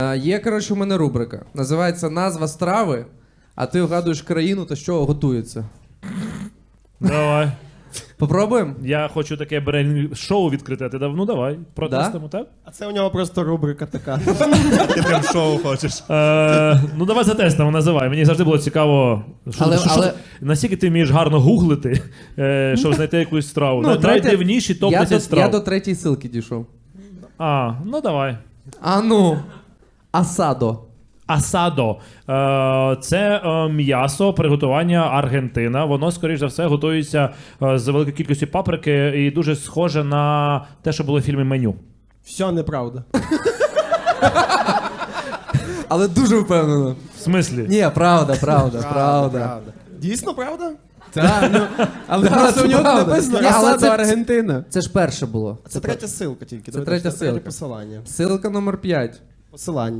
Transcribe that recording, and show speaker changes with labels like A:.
A: Є, коротше, у мене рубрика. Називається «Назва страви», а ти вгадуєш країну та що готується.
B: Давай.
A: Попробуємо?
B: Я хочу таке брейн-шоу відкрити, а ти дав, ну давай, протестимо, так?
C: А це у нього просто рубрика така.
D: Ти прям шоу хочеш.
B: Ну давай затестимо, називай. Мені завжди було цікаво,
A: Але-
B: наскільки ти вмієш гарно гуглити, щоб знайти якусь страву. Найдивніші топ-10
A: Я
B: страв.
A: до третьої ссылки дійшов.
B: Ну давай.
A: А ну, асадо.
B: Асадо. Це м'ясо приготування Аргентина. Воно, скоріш за все, готується з великою кількістю паприки і дуже схоже на те, що було в фільмі «Меню».
C: Все неправда.
A: Але дуже впевнено.
B: В смислі?
A: Ні, правда.
C: Дійсно, правда?
A: Так, ну, але
C: Просто у нього
A: правда.
C: написано
A: Ні, але
C: «Асадо
A: це-
C: Аргентина».
A: Це ж перше було.
C: Це третя ссылка тільки.
A: Це третя ссылка.
C: Посилання.
A: Ссылка номер 5.
C: Посилання.